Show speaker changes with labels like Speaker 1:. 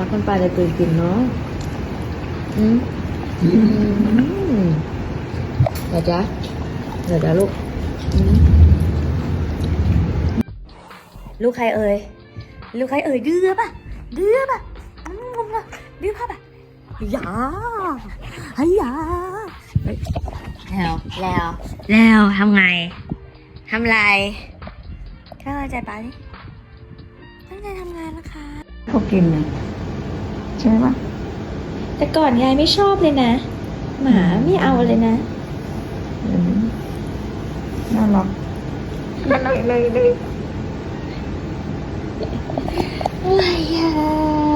Speaker 1: คนปลาจะตื่นกินเนาะเดี๋ยวจ้ะลูกลูกใครเอ่ยดื้อป่ะดื้อป่ะดื้อป่ะอย่าให้อย่าแล้วทำไงทำไรเข้าใจปะนี่ตั้งใจทำงานนะคะเขากินนะใช่ไหมวะแต่ก่อนยายไม่ชอบเลยนะหมาไม่เอาเลยนะน่ารักเลยอะไรอ่ะ